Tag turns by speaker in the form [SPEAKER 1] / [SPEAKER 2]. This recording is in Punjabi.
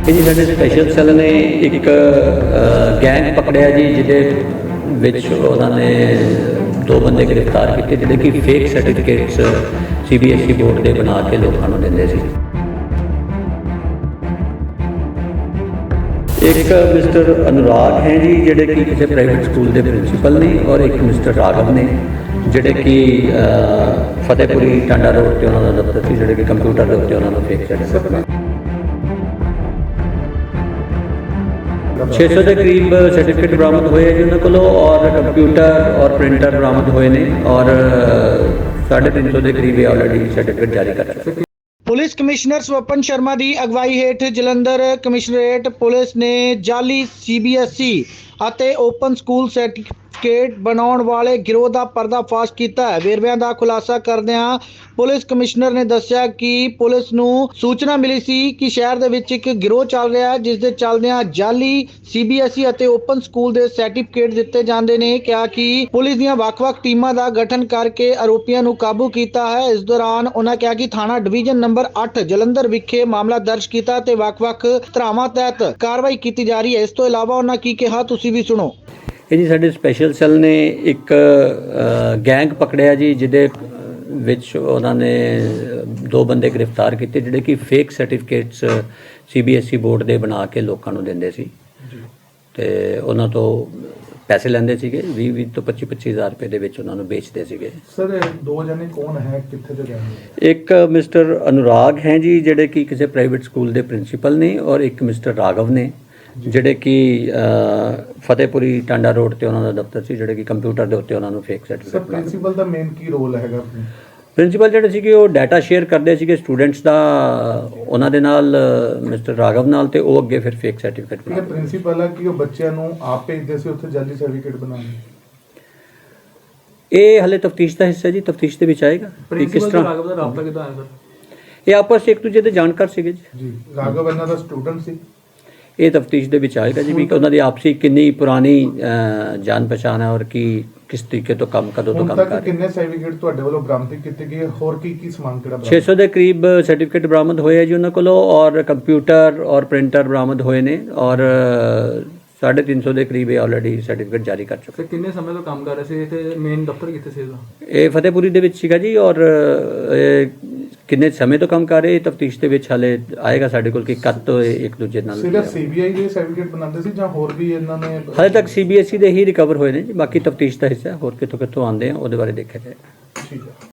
[SPEAKER 1] ਇਹ ਜੀ ਸਾਡੇ ਸਪੈਸ਼ਲ ਸੈੱਲ ਨੇ ਇੱਕ ਗੈਂਗ ਪਕੜਿਆ ਜੀ, ਜਿਹਦੇ ਵਿੱਚ ਉਹਨਾਂ ਨੇ 2 ਬੰਦੇ ਗ੍ਰਿਫਤਾਰ ਕੀਤੇ ਜਿਹੜੇ ਕਿ ਫੇਕ ਸਰਟੀਫਿਕੇਟਸ CBSE ਬੋਰਡ ਦੇ ਬਣਾ ਕੇ ਲੋਕਾਂ ਨੂੰ ਦਿੰਦੇ ਸੀ। ਇੱਕ ਮਿਸਟਰ ਅਨੁਰਾਗ ਹੈ ਜੀ, ਜਿਹੜੇ ਕਿ ਕਿਸੇ ਪ੍ਰਾਈਵੇਟ ਸਕੂਲ ਦੇ ਪ੍ਰਿੰਸੀਪਲ ਨੇ, ਔਰ ਇੱਕ ਮਿਸਟਰ ਰਾਘਵ ਨੇ ਜਿਹੜੇ ਕਿ ਫਤਿਹਪੁਰੀ ਟਾਂਡਾ ਰੋਡ 'ਤੇ ਉਹਨਾਂ ਦਾ ਦਫ਼ਤਰ ਸੀ, ਜਿਹੜੇ ਕਿ ਕੰਪਿਊਟਰ ਦੇ ਉੱਤੇ ਉਹਨਾਂ ਨੂੰ ਫੇਕ ਸਰਟੀਫਿਕੇਟ 600 ਦੇ ਕਰੀਬ ਸਰਟੀਫਿਕੇਟ ਬਰਾਮਦ ਹੋਏ ਜੀ ਉਹਨਾਂ ਕੋਲੋਂ, ਔਰ ਕੰਪਿਊਟਰ ਔਰ ਪ੍ਰਿੰਟਰ ਬਰਾਮਦ ਹੋਏ ਨੇ, ਔਰ 350 ਦੇ ਕਰੀਬ ਆਲਰੇਡੀ ਸਰਟੀਫਿਕੇਟ ਜਾਰੀ ਕਰ ਚੁੱਕੇ।
[SPEAKER 2] ਪੁਲਿਸ ਕਮਿਸ਼ਨਰ ਸਵਪਨ ਸ਼ਰਮਾ ਦੀ ਅਗਵਾਈ ਹੇਠ ਜਲੰਧਰ ਕਮਿਸ਼ਨਰੇਟ ਪੁਲਿਸ ਨੇ ਜਾਲੀ CBSE ਅਤੇ ਓਪਨ ਸਕੂਲ ਸਰਟੀਫਿਕੇਟ ਬਣਾਉਣ ਵਾਲੇ ਗਿਰੋਹ ਦਾ ਪਰਦਾਫਾਸ਼ ਕੀਤਾ ਹੈ। ਵੇਰਵਿਆਂ ਦਾ ਖੁਲਾਸਾ ਕਰਦਿਆਂ ਪੁਲਿਸ ਕਮਿਸ਼ਨਰ ਨੇ ਦੱਸਿਆ ਕਿ ਪੁਲਿਸ ਨੂੰ ਸੂਚਨਾ ਮਿਲੀ ਸੀ ਕਿ ਸ਼ਹਿਰ ਦੇ ਵਿੱਚ ਇੱਕ ਗਿਰੋਹ ਚੱਲ ਰਿਹਾ ਹੈ, ਜਿਸ ਦੇ ਚੱਲਦਿਆਂ ਜਾਲੀ CBSE ਅਤੇ ਓਪਨ ਸਕੂਲ ਦੇ ਸਰਟੀਫਿਕੇਟ ਦਿੱਤੇ ਜਾਂਦੇ ਨੇ। ਕਿਹਾ ਕਿ ਪੁਲਿਸ ਦੀਆਂ ਵੱਖ-ਵੱਖ ਟੀਮਾਂ ਦਾ ਗਠਨ ਕਰਕੇ ਆਰੋਪੀਆਂ ਨੂੰ ਕਾਬੂ ਕੀਤਾ ਹੈ। ਇਸ ਦੌਰਾਨ ਉਹਨਾਂ ਕਿਹਾ ਕਿ ਥਾਣਾ ਡਿਵੀਜ਼ਨ ਨੰਬਰ 8 ਜਲੰਧਰ ਵਿਖੇ ਮਾਮਲਾ ਦਰਜ ਕੀਤਾ ਤੇ ਵੱਖ-ਵੱਖ ਧਾਰਾਵਾਂ ਤਹਿਤ ਕਾਰਵਾਈ ਕੀਤੀ ਜਾ ਰਹੀ ਹੈ। ਇਸ ਤੋਂ ਇਲਾਵਾ ਉਹਨਾਂ ਕੀ ਕਿਹਾ, ਤੁਸੀਂ ਵੀ ਸੁਣੋ।
[SPEAKER 1] ਇਹ ਜੀ ਸਾਡੇ ਸਪੈਸ਼ਲ ਸੈੱਲ ਨੇ ਇੱਕ ਗੈਂਗ ਪਕੜਿਆ ਜੀ, ਜਿਹਦੇ ਵਿੱਚ ਉਹਨਾਂ ਨੇ 2 ਬੰਦੇ ਗ੍ਰਿਫਤਾਰ ਕੀਤੇ ਜਿਹੜੇ ਕਿ ਫੇਕ ਸਰਟੀਫਿਕੇਟਸ CBSE ਬੋਰਡ ਦੇ ਬਣਾ ਕੇ ਲੋਕਾਂ ਨੂੰ ਦਿੰਦੇ ਸੀ ਤੇ ਉਹਨਾਂ ਤੋਂ ਪੈਸੇ ਲੈਂਦੇ ਸੀਗੇ। 20 ਤੋਂ 25 ਹਜ਼ਾਰ ਰੁਪਏ ਦੇ ਵਿੱਚ ਉਹਨਾਂ ਨੂੰ ਵੇਚਦੇ ਸੀਗੇ।
[SPEAKER 3] ਸਰ 2 ਜਣੇ ਕੌਣ ਹੈ, ਕਿੱਥੇ ਦੇ ਰਹਿਣ ਵਾਲੇ?
[SPEAKER 1] ਇੱਕ ਮਿਸਟਰ ਅਨੁਰਾਗ ਹੈ ਜੀ, ਜਿਹੜੇ ਕਿ ਕਿਸੇ ਪ੍ਰਾਈਵੇਟ ਸਕੂਲ ਦੇ ਪ੍ਰਿੰਸੀਪਲ ਨੇ, ਔਰ ਇੱਕ ਮਿਸਟਰ ਰਾਘਵ ਨੇ ਜਿਹੜੇ ਕਿ ਫਤਿਹਪੁਰੀ ਟਾਂਡਾ ਰੋਡ 'ਤੇ ਉਹਨਾਂ ਦਾ ਦਫ਼ਤਰ ਸੀ, ਜਿਹੜੇ ਕਿ ਕੰਪਿਊਟਰ ਦੇ ਉੱਤੇ ਉਹਨਾਂ ਨੂੰ ਫੇਕ ਸਰਟੀਫਿਕੇਟ।
[SPEAKER 3] ਪ੍ਰਿੰਸੀਪਲ ਦਾ ਮੇਨ ਕੀ ਰੋਲ ਹੈਗਾ?
[SPEAKER 1] ਪ੍ਰਿੰਸੀਪਲ ਜਿਹੜੇ ਸੀਗੇ ਉਹ ਡਾਟਾ ਸ਼ੇਅਰ ਕਰਦੇ ਸੀਗੇ ਸਟੂਡੈਂਟਸ ਦਾ ਉਹਨਾਂ ਦੇ ਨਾਲ, ਮਿਸਟਰ ਰਾਘਵ ਨਾਲ, ਤੇ ਉਹ ਅੱਗੇ ਫਿਰ ਫੇਕ ਸਰਟੀਫਿਕੇਟ
[SPEAKER 3] ਬਣਾਉਂਦੇ। ਪ੍ਰਿੰਸੀਪਲ ਆ ਕਿ ਉਹ ਬੱਚਿਆਂ ਨੂੰ ਆਪ ਭੇਜਦੇ ਸੀ ਉੱਥੇ ਜਾਲੀ ਸਰਟੀਫਿਕੇਟ ਬਣਾਉਣ?
[SPEAKER 1] ਇਹ ਹਲੇ ਤਫਤੀਸ਼ ਦਾ ਹਿੱਸਾ ਜੀ, ਤਫਤੀਸ਼ ਦੇ ਵਿੱਚ ਆਏਗਾ ਕਿ ਕਿਸ ਤਰ੍ਹਾਂ
[SPEAKER 3] ਰਾਘਵ ਦਾ ਰਾਬਤਾ ਕਿੱਦਾਂ ਆਇਆ ਸਰ?
[SPEAKER 1] ਇਹ ਆਪਸ 'ਚ ਇੱਕ ਦੂਜੇ ਦੇ ਜਾਣਕਾਰ ਸੀਗੇ
[SPEAKER 3] ਜੀ। ਰਾਘਵ ਇਹਨਾਂ ਦਾ ਸਟੂਡੈਂਟ ਸੀ?
[SPEAKER 1] ਇਹ ਤਫਤੀਸ਼ ਦੇ ਵਿੱਚ ਆਏਗਾ ਜੀ, ਵੀ ਉਹਨਾਂ ਦੀ ਆਪਸੀ ਕਿੰਨੀ ਪੁਰਾਣੀ ਜਾਣ ਪਛਾਣ ਹੈ ਔਰ ਕਿਸ ਤਰੀਕੇ ਤੋਂ ਕਦੋਂ ਤੋਂ ਕੰਮ ਕਰ ਰਹੇ।
[SPEAKER 3] ਕਿੰਨੇ ਸਰਟੀਫਿਕੇਟ ਤੁਹਾਡੇ ਵੱਲੋਂ ਬਰਾਮਦ ਕੀਤੇ ਗਏ, ਹੋਰ ਕੀ ਸਮਾਨ ਕਿਹੜਾ?
[SPEAKER 1] 600 ਦੇ ਕਰੀਬ ਸਰਟੀਫਿਕੇਟ ਬਰਾਮਦ ਹੋਏ ਆ ਜੀ ਉਹਨਾਂ ਕੋਲੋਂ, ਔਰ ਕੰਪਿਊਟਰ ਔਰ ਪ੍ਰਿੰਟਰ ਬਰਾਮਦ ਹੋਏ ਨੇ, ਔਰ 350 ਦੇ ਕਰੀਬ ਆਲਰੇਡੀ ਸਰਟੀਫਿਕੇਟ ਜਾਰੀ ਕਰ ਚੁੱਕੇ।
[SPEAKER 3] ਕਿੰਨੇ ਸਮੇਂ ਤੋਂ ਕੰਮ ਕਰ ਰਹੇ ਸੀ ਤੇ ਮੇਨ ਦਫ਼ਤਰ ਕਿੱਥੇ ਸੀ ਇਹਦਾ?
[SPEAKER 1] ਇਹ ਫਤਿਹਪੁਰੀ ਦੇ ਵਿੱਚ ਸੀਗਾ ਜੀ, ਔਰ ਕਿੰਨੇ ਸਮੇਂ ਤੋਂ ਕੰਮ ਕਰ ਰਹੇ ਤਫਤੀਸ਼ ਦੇ ਵਿੱਚ ਹਾਲੇ ਆਏਗਾ ਸਾਡੇ ਕੋਲ ਕਿ ਕਦ ਤੋਂ ਇੱਕ ਦੂਜੇ ਨਾਲ।
[SPEAKER 3] ਸਿਰਫ CBI ਦੇ ਸਰਟੀਫਿਕੇਟ ਬਣਾਉਂਦੇ ਸੀ ਜਾਂ ਹੋਰ ਵੀ ਇਹਨਾਂ ਨੇ?
[SPEAKER 1] ਹਾਲੇ ਤੱਕ CBSE ਦੇ ਹੀ ਰਿਕਵਰ ਹੋਏ ਨੇ ਜੀ, ਬਾਕੀ ਤਫਤੀਸ਼ ਦਾ ਹਿੱਸਾ ਹੋਰ ਕਿੱਥੋਂ ਆਉਂਦੇ ਆ ਉਹਦੇ ਬਾਰੇ ਦੇਖਿਆ ਜਾਏ।
[SPEAKER 3] ਠੀਕ ਹੈ।